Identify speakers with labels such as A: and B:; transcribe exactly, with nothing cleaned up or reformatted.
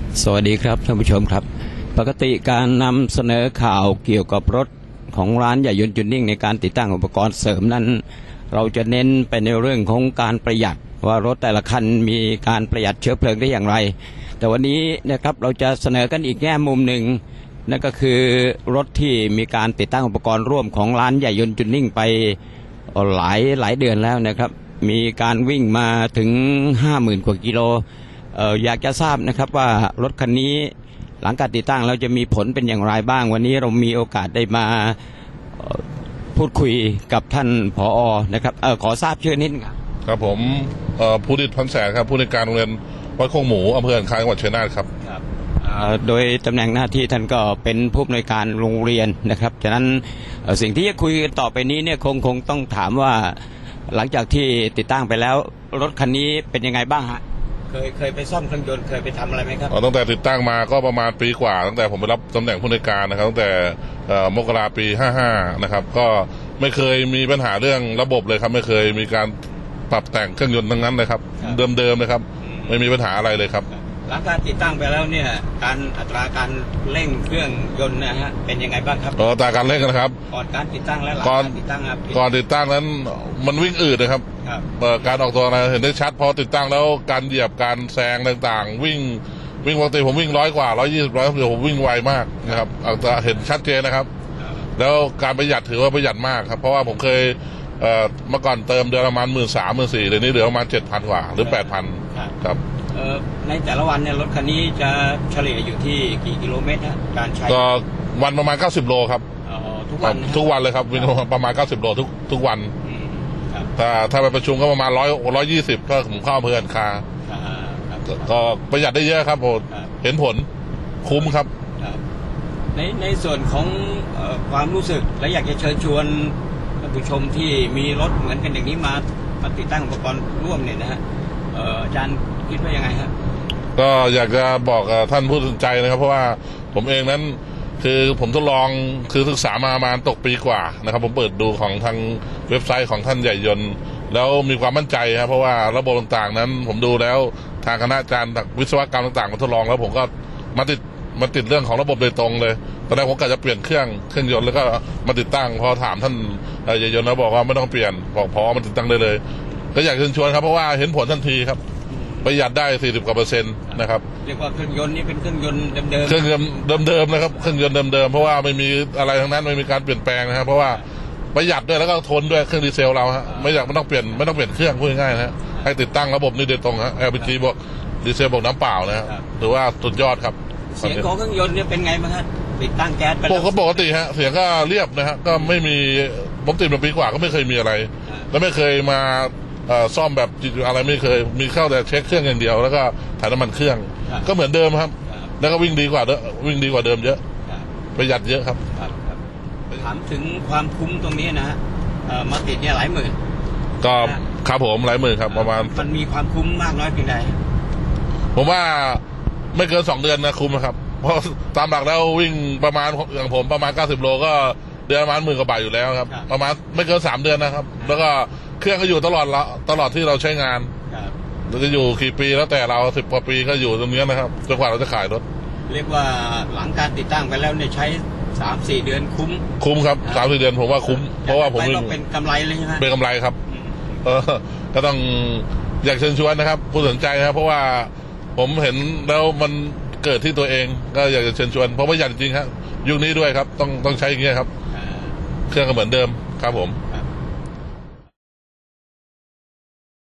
A: สวัสดีครับท่านผู้ชมครับปกติการนำเสนอข่าวเกี่ยวกับรถของร้านใหญ่ยนต์จูนนิ่งในการติดตั้งอุปกรณ์เสริมนั้นเราจะเน้นไปในเรื่องของการประหยัดว่ารถแต่ละคันมีการประหยัดเชื้อเพลิงได้อย่างไรแต่วันนี้นะครับเราจะเสนอกันอีกแง่มุมหนึ่งนั่นก็คือรถที่มีการติดตั้งอุปกรณ์ร่วมของร้านใหญ่ยนต์จูนนิ่งไปหลายหลายเดือนแล้วนะครับมีการวิ่งมาถึง ห้าหมื่น กว่ากิโลเอ่ออยากจะทราบนะครับว่ารถคันนี้หลังการติดตั้งเราจะมีผลเป็นอย่างไรบ้างวันนี้เรามีโอกาสได้มาพูดคุยกับท่านผอ.นะครับเออขอทราบชื่อนิดครับ
B: ครับผมภูดิษฐ์พันแสนครับผู้ในการโรงเรียนวัดโคกหมูอำเภอหันคาจังหวัดชัยนาทครับ
A: ครับโดยตำแหน่งหน้าที่ท่านก็เป็นผู้อำนวยการโรงเรียนนะครับฉะนั้นสิ่งที่จะคุยกันต่อไปนี้เนี่ยคงคงต้องถามว่าหลังจากที่ติดตั้งไปแล้วรถคันนี้เป็นยังไงบ้างฮะเคยเคยไปซ่อมเครื่องยนต์เคยไปทำอะไรไหมครับ
B: ตั้งแต่ติดตั้งมาก็ประมาณปีกว่าตั้งแต่ผมไปรับตำแหน่งผู้ในการนะครับตั้งแต่มกราปีห้าห้านะครับก็ไม่เคยมีปัญหาเรื่องระบบเลยครับไม่เคยมีการปรับแต่งเครื่องยนต์ทั้งนั้นเลยครับเดิมๆเลยครับไม่มีปัญหาอะไรเลยครับ
A: หลังการติดตั้งไปแล้วเนี่ยการอัตราการเร่งเครื่องยนต์นะฮะเป็นยังไงบ้างครับ
B: อัตราการเร่งนะครับ
A: ก่อนการติดตั้งและหลังการติดตั้งครับ
B: ก่อนติดตั้งนั้นมันวิ่งอืดนะครับการออกตัวเห็นได้ชัดพอติดตั้งแล้วการเหยียบการแซงต่างๆวิ่งวิ่งปกติผมวิ่งร้อยกว่าร้อยยี่สิบร้อยเดี๋ยวผมวิ่งไวมากนะครับอัตราเห็นชัดเจนนะครับแล้วการประหยัดถือว่าประหยัดมากครับเพราะว่าผมเคยเมื่อก่อนเติมเดือนประมาณหมื่นสามหมื่นสี่เดี๋ยวนี้เหลือประมาณเจ็ดพันกว่าหรือแปดพันครับ
A: ในแต่ละวันเนี่ยรถคันนี้จะเฉลี่ยอยู่ที่กี่กิโลเมตรฮะการใช้
B: ก็วันประมาณเก้าสิบโลครับ
A: ทุกวัน
B: ทุกวันเลยครับวิ่งประมาณเก้าสิบโลทุกทุกวันถ้าถ้าไปประชุมก็ประมาณร้อยร้อยยี่สิบก็ผมเข้าอำเภอหันคาก็ประหยัดได้เยอะครับผมเห็นผลคุ้มครับ
A: ในในส่วนของความรู้สึกและอยากจะเชิญชวนท่านผู้ชมที่มีรถเหมือนกันอย่างนี้มามาติดตั้งอุปกรณ์ร่วมเนี่ยนะฮะอาจารย์คิดว่ายังไงครับ
B: ก็อยากจะบอกท่านผู้สนใจนะครับเพราะว่าผมเองนั้นคือผมทดลองคือศึกษามาประมาณตกปีกว่านะครับผมเปิดดูของทางเว็บไซต์ของท่านใหญ่ยนต์แล้วมีความมั่นใจครับเพราะว่าระบบต่างๆนั้นผมดูแล้วทางคณะอาจารย์วิศวกรรมต่างๆมาทดลองแล้วผมก็มาติดมาติดเรื่องของระบบโดยตรงเลยตอนแรกผมกะจะเปลี่ยนเครื่องเครื่องยนต์แล้วก็มาติดตั้งพอถามท่านใหญ่ยนต์แล้วบอกว่าไม่ต้องเปลี่ยนบอกพอมาติดตั้งได้เลยก็อยากเชิญชวนครับเพราะว่าเห็นผลทันทีครับประหยัดได้สี่สิบกว่าเปอร์เซ็นต์นะครับ
A: เรียกว่าเครื่องยนต์นี่เป็นเครื่องยนต์เดิมๆ
B: เครื่องยนต์เดิมๆนะครับเครื่องยนต์เดิมๆเพราะว่าไม่มีอะไรทั้งนั้นไม่มีการเปลี่ยนแปลงนะครับเพราะว่าประหยัดด้วยแล้วก็ทนด้วยเครื่องดีเซลเราฮะไม่อยากไม่ต้องเปลี่ยนไม่ต้องเปลี่ยนเครื่องพูดง่ายๆนะฮะให้ติดตั้งระบบนี้โดยตรงฮะ แอล พี จี บวกดีเซลบวกน้ำเปล่านะครับถือว่าสุดยอดครับ
A: เสียงของเครื่องยนต์เนี่ยเป็นไงบ้างฮะติดตั้งแก๊ส
B: ปกติปกติฮะเสียงก็เรียบนะฮะก็ไม่มีผมติดมาปีกว่าก็ไม่เคยมีอะไรแล้วไม่เคยมาซ่อมแบบอะไรไม่เคยมีเข้าแต่เช็คเครื่องอย่างเดียวแล้วก็ถ่ายน้ำมันเครื่องก็เหมือนเดิมครับแล้วก็วิ่งดีกว่าวิ่งดีกว่าเดิมเยอะประหยัดเยอะครับ
A: ถามถึงความคุ้มตรงนี้นะฮะมาติดเนี่ยหลายหมื่น
B: ก็ครับผมหลายหมื่นครับประมาณ
A: มันมีความคุ้มมากน้อยเพียงใด
B: ผมว่าไม่เกินสองเดือนนะคุ้มนะครับเพราะตามหลักแล้ววิ่งประมาณอย่างผมประมาณเก้าสิบโลก็เดือนประมาณหมื่นกว่าบาทอยู่แล้วครับประมาณไม่เกินสามเดือนนะครับแล้วก็เครื่องก็อยู่ตลอดละตลอดที่เราใช้งานเราจะอยู่กี่ปีแล้วแต่เราสิบกว่าปีก็อยู่ตรงนี้นะครับจนกว่าเราจะขายรถ
A: เรียกว่าหลังการติดตั้งไปแล้วเนี่ยใช้สามสี่เดือนคุ้ม
B: คุ้มครับสามสี่เดือนผมว่าคุ้มเพราะว่าผม
A: เป็นกำไรเลยใช่ไหม
B: เป็นกำไรครับเออก็ต้องอยากเชิญชวนนะครับผู้สนใจนะครับเพราะว่าผมเห็นแล้วมันเกิดที่ตัวเองก็อยากจะเชิญชวนเพราะว่าอยากจริงครับยุคนี้ด้วยครับต้องต้องใช้อย่างเงี้ยครับเครื่องก็เหมือนเดิมครับผม